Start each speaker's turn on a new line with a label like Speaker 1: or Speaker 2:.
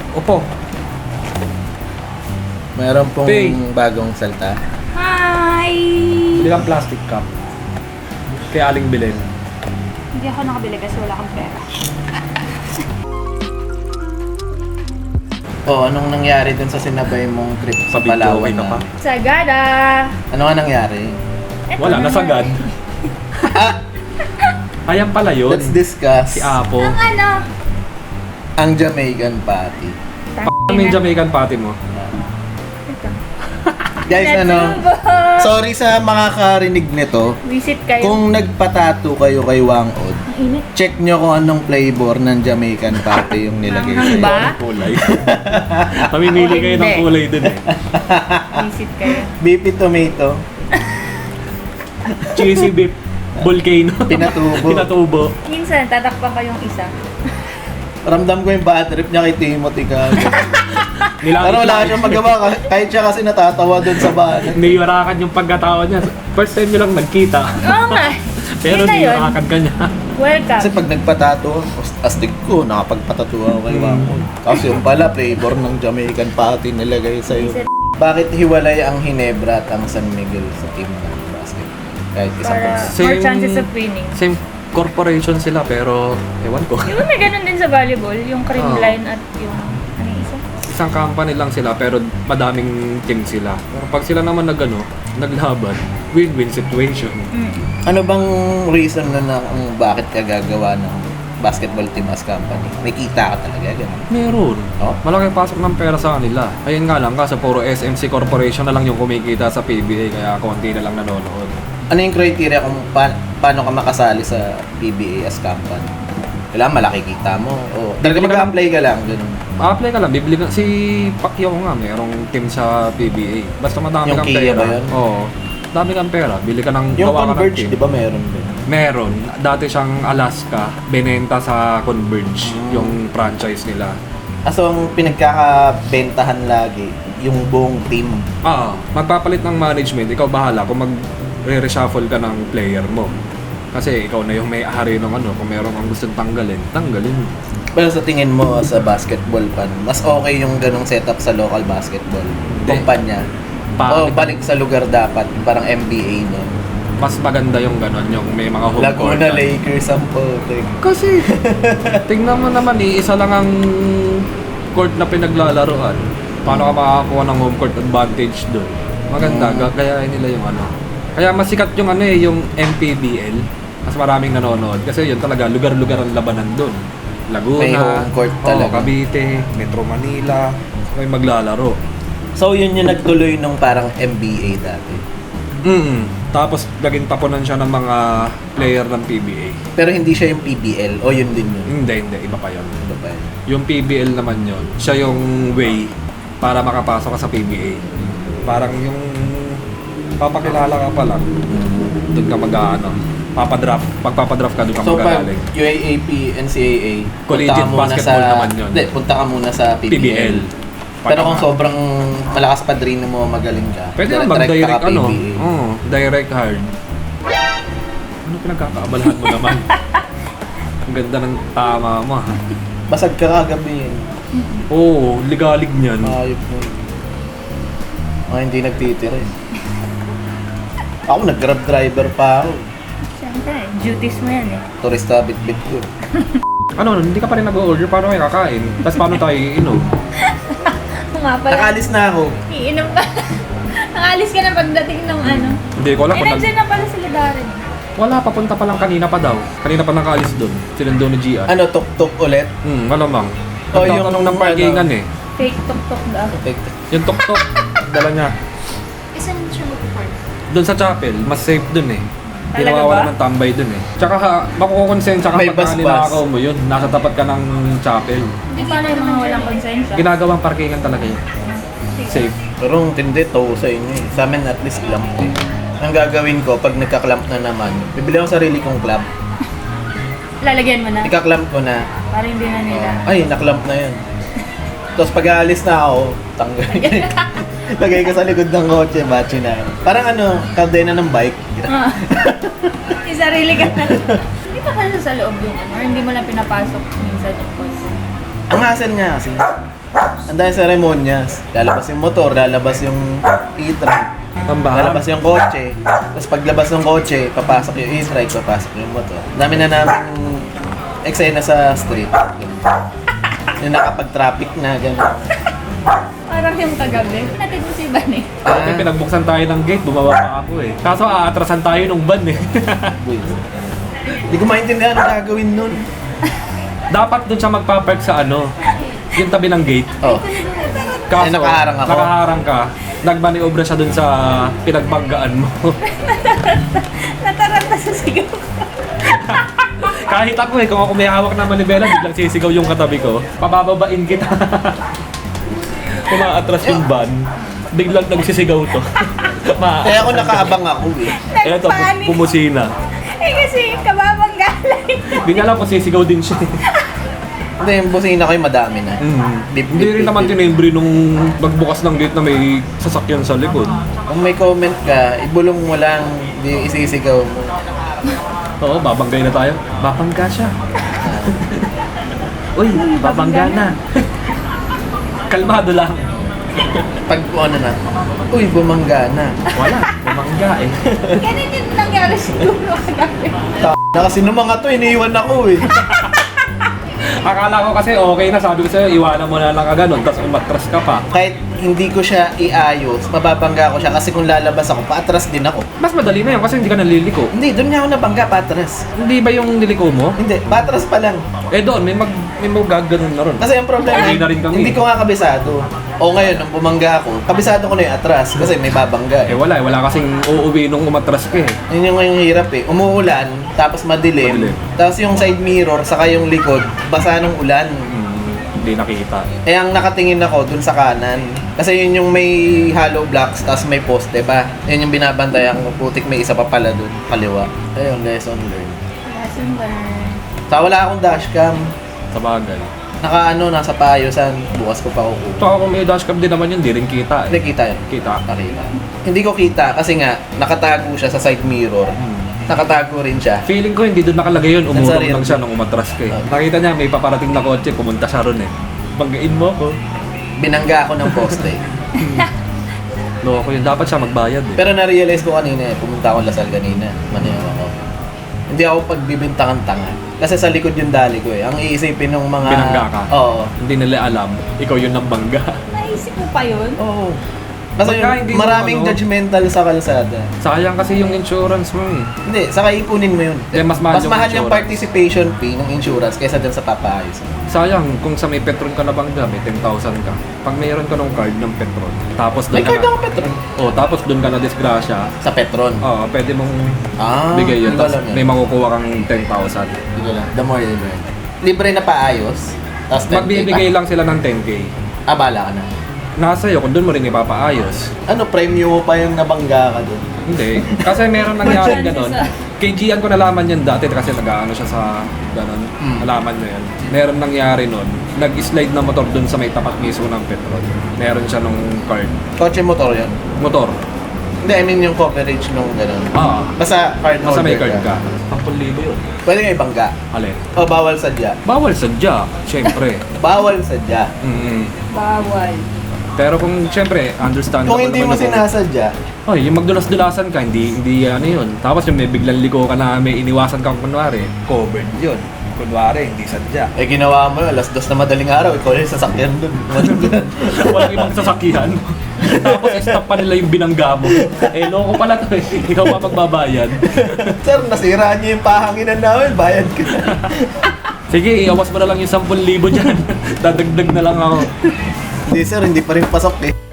Speaker 1: Opo.
Speaker 2: Meron pong
Speaker 1: Pay.
Speaker 2: bagong salta.
Speaker 3: Hi!
Speaker 1: Bili kang plastic cup. Kaya aling bilhin.
Speaker 3: Hindi ako nakabili kasi wala akong pera.
Speaker 2: Anong nangyari dun sa sinabay mong trip sa
Speaker 1: Pabidyo,
Speaker 2: Palawan
Speaker 1: okay ka pa?
Speaker 2: na?
Speaker 3: Sagada!
Speaker 2: Ano nga nangyari?
Speaker 3: Eto
Speaker 1: Wala,
Speaker 3: na
Speaker 1: nasagad. Ayan pala yun.
Speaker 2: Let's discuss
Speaker 1: Si Apo.
Speaker 3: Ang ano?
Speaker 2: ang Jamaican Patty.
Speaker 1: Ano yung Jamaican patty mo?
Speaker 3: Ito.
Speaker 2: Guys,
Speaker 3: Natsubo!
Speaker 2: sorry sa makakarinig nito.
Speaker 3: Visit kayo.
Speaker 2: Kung nagpatato kayo kay Wangod,
Speaker 3: Ang init.
Speaker 2: check nyo kung anong flavor ng Jamaican Patty yung nilagay
Speaker 3: Ang
Speaker 2: sa'yo.
Speaker 3: ba?
Speaker 1: Kulay. Mamimili kayo ng
Speaker 3: Hindi.
Speaker 1: kulay dun eh.
Speaker 3: Visit kayo.
Speaker 2: Beefy tomato,
Speaker 1: Cheesy beef. Volcano.
Speaker 2: pinatubo.
Speaker 1: Pinatubo.
Speaker 3: Minsan, tatakpan ko yung isa.
Speaker 2: Ramdam ko yung bad trip niya kay Timothy kagad. Pero wala siyang magawa kahit siya kasi natatawa dun sa bahay.
Speaker 1: Niyurakan yung pagkatao niya. First time nyo lang nagkita.
Speaker 3: Oo nga.
Speaker 1: Pero
Speaker 3: Yun na yun.
Speaker 1: niyurakan ka niya.
Speaker 3: Welcome.
Speaker 2: Kasi pag nagpatato, astig ko, nakapagpatato ako kay Wangod. Tapos yung pala, flavor ng Jamaican Patty nilagay sa'yo. Bakit hiwalay ang Hinebra at ang San Miguel sa team ng basketball? Kahit isang
Speaker 3: Para
Speaker 2: bansa.
Speaker 3: more
Speaker 1: Same-
Speaker 3: chances of winning.
Speaker 1: Same corporation sila pero ewan ko.
Speaker 3: Di ba may ganun din sa volleyball? Yung cream
Speaker 1: Oo.
Speaker 3: line at yung ano yung isa?
Speaker 1: Isang company lang sila pero madaming team sila. Pero pag sila naman naglaban, win-win situation.
Speaker 3: Mm.
Speaker 2: Ano bang reason na kung bakit ka gagawa ng basketball team as company? May kita ka talaga, gano'n.
Speaker 1: Meron.
Speaker 2: Oh.
Speaker 1: Malaki pasok ng pera sa kanila. Ayun nga lang, kasi puro SMC Corporation na lang yung kumikita sa PBA kaya konti na lang nanonood.
Speaker 2: Ano yung criteria kung paano ka makasali sa PBA as company? Kailangan malaki kita mo. O talaga
Speaker 1: Bibili ka
Speaker 2: mag-apply ka lang, gano'n.
Speaker 1: Apply ka lang, bibili ka. Si Pacquiao nga, merong team sa PBA. Basta madami
Speaker 2: Yung
Speaker 1: kang
Speaker 2: Kia
Speaker 1: pera.
Speaker 2: ba yun?
Speaker 1: Oo. Dami kang pera. Bili ka ng
Speaker 2: Yung
Speaker 1: gawa ka ng
Speaker 2: Converge,
Speaker 1: team.
Speaker 2: di ba meron din?
Speaker 1: Meron. Dati siyang Alaska, binenta sa Converge, yung franchise nila.
Speaker 2: So, ang pinagkakabentahan lagi, yung buong team.
Speaker 1: Magpapalit ng management, ikaw bahala kung mag-reshuffle ka ng player mo. Kasi ikaw na yung may-ari ng ano, kung meron kang gustong tanggalin mo.
Speaker 2: Pero sa tingin mo sa basketball fan, mas okay yung ganong setup sa local basketball kumpanya? O
Speaker 1: Pangit.
Speaker 2: balik sa lugar dapat, parang NBA no?
Speaker 1: Mas maganda yung ganon, yung may mga home court.
Speaker 2: Laguna Lakers ang putik.
Speaker 1: Kasi, tingnan mo naman isa lang ang court na pinaglalaroan. Paano ka makakakuha ng home court advantage doon? Maganda, gayahin nila yung ano. Kaya masikat yung ano yung MPBL. Mas maraming nanonood. Kasi yun talaga, lugar-lugar ang labanan doon. Laguna,
Speaker 2: May home court talaga.
Speaker 1: Cavite, Metro Manila, may maglalaro.
Speaker 2: So yun yung nagtuloy nung parang NBA dati.
Speaker 1: Tapos naging tapunan siya ng mga player ng PBA.
Speaker 2: Pero hindi siya yung PBL o yun din yun.
Speaker 1: Hindi, iba pa yun.
Speaker 2: Ano ba yun?
Speaker 1: Yung PBL naman yun, siya yung way para makapasok ka sa PBA. Parang yung papakilala ka pa lang, doon ka mag-ano, pagpapadraft ka, doon ka
Speaker 2: So pag
Speaker 1: magagaling.
Speaker 2: UAAP, NCAA,
Speaker 1: Collegiate
Speaker 2: punta ka muna
Speaker 1: basketball naman yun.
Speaker 2: Hindi, punta ka muna sa PBL.
Speaker 1: PBL.
Speaker 2: Pero kung sobrang malakas padrino mo, magaling ka,
Speaker 1: pwede na
Speaker 2: direct
Speaker 1: mag-direct
Speaker 2: ka
Speaker 1: ano,
Speaker 2: PBA.
Speaker 1: direct hard. Ano pinagkakaabalahan mo naman? Ang ganda ng tama mo ha.
Speaker 2: Basag ka kagabi eh.
Speaker 1: Oo, ligalig niyan.
Speaker 2: Ayop mo. Mga hindi nagtitira eh. Ako nag-grab driver pa ako.
Speaker 3: Siyempre, duties mo yan eh.
Speaker 2: Turista bit-bit ko.
Speaker 1: Ano, hindi ka pa rin nag-order, paano kayo kakain? Tapos paano tayo iinom?
Speaker 3: Oo nga pala.
Speaker 2: Nakalis na ako.
Speaker 3: Iinom ka. Nakalis ka na pagdating ng ano.
Speaker 1: Hindi ko alam
Speaker 3: Eh,
Speaker 1: kung
Speaker 3: nandiyan na pala sila Darren.
Speaker 1: Wala, papunta pa lang kanina pa daw. Kanina pa nakaalis doon. Sinundo ni Gian.
Speaker 2: Ano, tuk-tuk ulit?
Speaker 1: Malamang.
Speaker 2: Oh,
Speaker 1: Nagtatanong
Speaker 2: yung
Speaker 1: ng parkingan
Speaker 2: ano.
Speaker 1: eh.
Speaker 3: Fake tok-tok daw.
Speaker 1: Yung tok-tok, dala niya.
Speaker 3: Isa na siya mag-park.
Speaker 1: Doon sa chapel, mas safe doon eh. Hindi
Speaker 3: Talaga
Speaker 1: nawawala
Speaker 3: ba?
Speaker 1: ng tambay doon eh. Tsaka makukonsensya ka
Speaker 2: May
Speaker 1: pagka
Speaker 2: bus-bus.
Speaker 1: ninakaw mo yun. Nasa tapat ka ng chapel.
Speaker 3: Hindi paano yung mga walang konsensya?
Speaker 1: Ginagawang parkingan talaga yun. Safe.
Speaker 2: Pero ang tindi to sa inyo eh. Sa amin at least clamp eh. Ang gagawin ko, pag nagka-clamp na naman, bibili ako sarili kong clamp.
Speaker 3: Lalagyan mo na.
Speaker 2: Ika-clamp ko na.
Speaker 3: Para hindi na nila.
Speaker 2: Ay, na-clamp na yan. Tapos pag aalis na ako, tanggal. Lagay ko sa likod ng kotse, batch na. Parang ano, kadena ng bike.
Speaker 3: Ah. Yung sarili ka na. Hindi pa kasi sa loob yung ano, or hindi mo lang pinapasok minsan yung kotse.
Speaker 2: Ang hassle nga kasi, Ang dahil seremonyas. Lalabas yung motor, lalabas yung e-trike,
Speaker 1: Pambahan.
Speaker 2: lalabas yung kotse. Tapos paglabas ng kotse, papasok yung e-trike, papasok yung motor. Dami na namin eksena sa street. Yung nakapag-traffic na, gano'n.
Speaker 3: Parang yung kagabi. Natin mo si Ivan eh.
Speaker 1: Kaya pinagbuksan tayo ng gate, bumaba pa ako eh. Kaso aatrasan tayo nung van eh.
Speaker 2: Hindi ko maintindihan ang gagawin nun.
Speaker 1: Dapat doon siya magpapark sa ano, yung tabi ng gate.
Speaker 2: Oh.
Speaker 1: Kaso,
Speaker 2: Ay, nakaharang ako.
Speaker 1: Nakaharang ka. Nagmaniobra siya doon sa pinagbanggaan mo.
Speaker 3: Nataranta sa sigaw ko.
Speaker 1: Kahit ako eh, kung ako may hawak na manibela, biglang sisigaw yung katabi ko. Pabababain kita. Kumaatras yung van, biglang nagsisigaw to.
Speaker 2: Kaya ako nakaabang ako eh.
Speaker 1: Eto,
Speaker 3: Nagpanik.
Speaker 1: pumusina.
Speaker 3: Eh kasi kababang galay.
Speaker 1: Hindi niya alam kung sisigaw din siya.
Speaker 2: Hindi, yung busina ko yung madami na. Beep,
Speaker 1: Hindi
Speaker 2: beep,
Speaker 1: rin
Speaker 2: beep,
Speaker 1: naman
Speaker 2: beep.
Speaker 1: tinimbre nung magbukas ng gate na may sasakyan sa likod.
Speaker 2: Kung may comment ka, ibulong mo lang, di isisigaw mo.
Speaker 1: Oo, babanggay na tayo. Babangga siya. Uy, babangga na. Kalmado lang.
Speaker 2: Pag ano na, uy, bumangga na.
Speaker 1: Wala, bumangga eh.
Speaker 3: Ganun yung nangyari siguro kagabi.
Speaker 2: Na kasi nung mga to, iniiwan ako eh.
Speaker 1: Akala ko kasi okay na, sabi ko sa'yo, iwanan mo na lang ka ganun, tapos umatras ka pa.
Speaker 2: Kahit hindi ko siya iayos, mababangga ko siya kasi kung lalabas ako, paatras din ako.
Speaker 1: Mas madali na yun kasi hindi ka naliliko.
Speaker 2: Hindi, doon nga ako nabangga, paatras.
Speaker 1: Hindi ba yung niliko mo?
Speaker 2: Hindi, patras pa lang.
Speaker 1: Eh doon, may magaganon na ron.
Speaker 2: Kasi yung problema,
Speaker 1: Hindi na rin kami.
Speaker 2: hindi ko nga kabisado. O ngayon, nung bumangga ako, kabisado ko na yung atras kasi may babangga
Speaker 1: Eh
Speaker 2: eh.
Speaker 1: wala kasing uuwi nung umatras ka eh.
Speaker 2: Yun yung hirap eh. Umuulan, tapos madilim,
Speaker 1: Madilim.
Speaker 2: tapos yung side mirror, saka yung likod, basa ng ulan.
Speaker 1: Hindi nakita.
Speaker 2: Eh ang nakatingin ako dun sa kanan. Kasi yun yung may hollow blocks, tapos may poste pa. Yun yung binabantayan ko, putik may isa pa pala dun, kaliwa. Ayun, lesson learned.
Speaker 3: Lesson learned.
Speaker 2: Sa wala akong dashcam,
Speaker 1: Sa bagay.
Speaker 2: nasa paayusan, bukas ko pa kukuha.
Speaker 1: So kung may dashcam din naman yun, di rin kita
Speaker 2: Hindi,
Speaker 1: eh.
Speaker 2: kita yun.
Speaker 1: Kita.
Speaker 2: Nakita. Hindi ko kita kasi nga, nakatago siya sa side mirror. Nakatago rin siya.
Speaker 1: Feeling ko hindi doon nakalagay yun,
Speaker 2: Nasa
Speaker 1: umurong
Speaker 2: rear
Speaker 1: lang siya
Speaker 2: view.
Speaker 1: nung umatras ka eh.
Speaker 2: Oh.
Speaker 1: Nakita niya may paparating na kotse, pumunta siya ron eh. Banggain mo ako.
Speaker 2: Binangga ako ng poste.
Speaker 1: Loko yun, dapat siya magbayad eh.
Speaker 2: Pero na-realize ko kanina eh, pumunta ako Lasal kanina. Manayaw ako. Hindi ako pagbibintangan tanga. Kasi sa likod yung dali ko eh. Ang iisipin ng mga...
Speaker 1: Binangga ka?
Speaker 2: Oo.
Speaker 1: Hindi nila alam, ikaw yun ang bangga.
Speaker 3: Naisip mo pa yun?
Speaker 2: Oo. Kasi
Speaker 1: Pagka hindi mo
Speaker 2: maraming
Speaker 1: ano-
Speaker 2: judgmental sa kalsada.
Speaker 1: Sayang kasi yung insurance mo eh.
Speaker 2: Hindi, saka ipunin mo yun.
Speaker 1: Eh, mas mahal yung
Speaker 2: yung
Speaker 1: insurance.
Speaker 2: participation fee ng insurance kaysa dun sa papaayos.
Speaker 1: Sayang, kung sa may Petron ka na bangga, may 10,000 ka. Pag mayroon ka ng card ng Petron, tapos
Speaker 2: May
Speaker 1: doon
Speaker 2: card
Speaker 1: ka
Speaker 2: ako Petron.
Speaker 1: Oh, tapos doon ka na disgrasya.
Speaker 2: Sa Petron.
Speaker 1: Oo, pwede mong
Speaker 2: Ah,
Speaker 1: bigay yun.
Speaker 2: hindi ko
Speaker 1: Tapos
Speaker 2: alam yan.
Speaker 1: may makukuha kang 10,000.
Speaker 2: Hindi ko lang. The more you learn. Libre na paayos. Tapos 10K
Speaker 1: Magbibigay
Speaker 2: pa.
Speaker 1: lang sila ng 10K.
Speaker 2: Bala ka na.
Speaker 1: Nasa iyo kung doon mo rin ipapaayos.
Speaker 2: Ano, premium mo pa yung nabangga ka dun?
Speaker 1: Hindi. Kasi meron nangyari ganon.
Speaker 3: Chances
Speaker 1: Kay Gian ko nalaman yan dati kasi nag-ano siya sa ganon. Nalaman mo yan. Meron nangyari nun. Nag-slide na motor doon sa may tapat mismo ng Petron. Meron siya nung card.
Speaker 2: Kotse motor yun?
Speaker 1: Motor.
Speaker 2: Hindi, I mean yung coverage nung gano'n.
Speaker 1: Ah.
Speaker 2: Basta card
Speaker 1: Nasa may
Speaker 2: holder
Speaker 1: card ka. 10,000 yun.
Speaker 2: Pwede nga ibangga.
Speaker 1: Alin?
Speaker 2: O bawal sadya.
Speaker 1: Bawal sadya. Siyempre.
Speaker 2: Bawal sadya.
Speaker 3: Bawal.
Speaker 1: Pero kung siyempre, understandable
Speaker 2: Kung hindi mo
Speaker 1: naman
Speaker 2: sinasadya,
Speaker 1: Oh, yung magdulas-dulasan ka, hindi ano yun. Tapos yung may biglang liko ka na may iniwasan kang kunwari, covered yun. Kunwari, hindi sadya.
Speaker 2: eh ginawa mo, alas 2 na madaling araw, ikaw yung sasakyan dun.
Speaker 1: Walang ibang sasakyan. Tapos stop pa nila yung binangga mo. Eh, loko pala to eh. Ikaw pa magbabayad.
Speaker 2: Sir, nasira niyo yung pahanginan namin, bayad ka na.
Speaker 1: Sige, iawas mo na lang yung 10,000 dyan. Dadagdag na lang ako.
Speaker 2: Hindi sir, hindi pa rin pasok eh.